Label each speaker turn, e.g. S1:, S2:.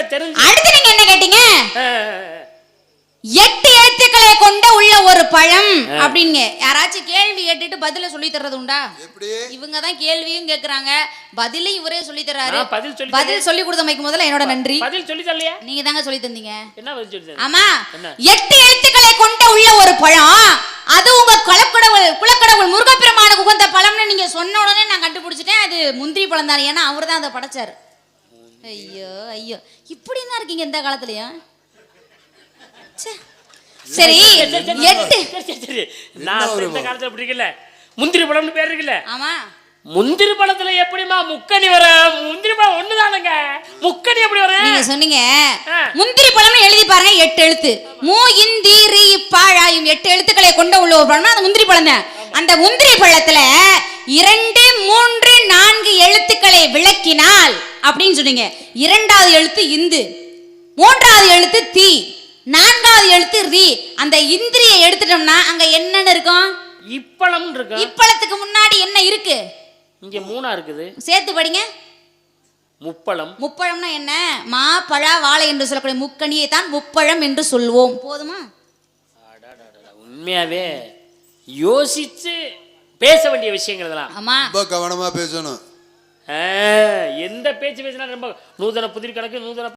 S1: தெரிஞ்சு.
S2: அடுத்து நீங்க என்ன கேட்டீங்க? 8 எழுத்துக்களை கொண்ட உள்ள ஒரு பழம் அப்படிங்க. யாராச்சும் கேள்வி கேட்டுட்டு பதில சொல்லி தர்றது உண்டா? இவங்க தான் கேள்வியும் கேக்குறாங்க, பதிலும் இவரே சொல்லி தர்றாரு. பதில் சொல்லி கொடுத்தமைக்கு முதல்ல என்னோட நன்றி.
S1: பதில் சொல்லி தரலையா?
S2: நீங்க தாங்க சொல்லி தந்தீங்க.
S1: என்ன பதில் சொல்லி தந்தீங்க?
S2: ஆமா, 8 எழுத்துக்களை கொண்ட உள்ள ஒரு பழம், அது உங்க குலக்கடவுள் முருகப்பெருமானுக்கு உகந்த பழம்னு நீங்க சொன்ன உடனே நான் கண்டுபிடிச்சிட்டேன். அது முந்திரி பழம் தான். ஏன்னா அவர் தான் அதை படைச்சாரு. ஐயோ ஐயோ, இப்படி தான் இருக்கீங்க இந்த காலத்துலயா? சரி, 8
S1: நான் இந்த காலத்துல பிடிக்கல. முந்திரி பழம்னு பேர் இருக்குல்ல?
S2: ஆமா.
S1: முந்திரி பழத்துல எப்படிமா முக்கணி வர? முந்திரி பழம் ஒண்ணுதானங்க, முக்கணி எப்படி வர?
S2: நீங்க சொன்னீங்க முந்திரி பழம்னு எழுதி பாருங்க, 8 எழுத்து. மூ இந்தி ரி பாழாயும் 8 எழுத்துக்களை கொண்ட உள்ள ஒரு பழம் அது முந்திரி பழம் தான். அந்த முந்திரி பழத்துல 2, 3, 4 எழுத்துக்களை விளக்கினால் அப்படின்னு சொன்னீங்க. 2வது எழுத்து இந்து, 3வது எழுத்து தி, 4வது எழுத்து ரி. அந்த இந்திரியை எடுத்துட்டோம்னா அங்க என்னன்னு இருக்கும்?
S1: இப்பழம் இருக்கு.
S2: இப்பழத்துக்கு முன்னாடி என்ன இருக்கு?
S1: இங்க 3 இருக்குது.
S2: சேர்த்து படிங்க.
S1: முப்பழம்.
S2: முப்பழம்னா என்ன? மா பழ வாழை என்று சொல்லக்கூடிய முக்கணியை தான் முப்பழம் என்று சொல்வோம். போதுமா?
S1: உண்மையாவே யோசிச்சு பேச வேண்டிய விஷயங்கள் இதெல்லாம்.
S2: ஆமா,
S3: ரொம்ப கவனமா பேசணும்.
S1: எந்த பேச்சு பேசினா ரொம்ப நூதன புதிர் கணக்கு, நூதன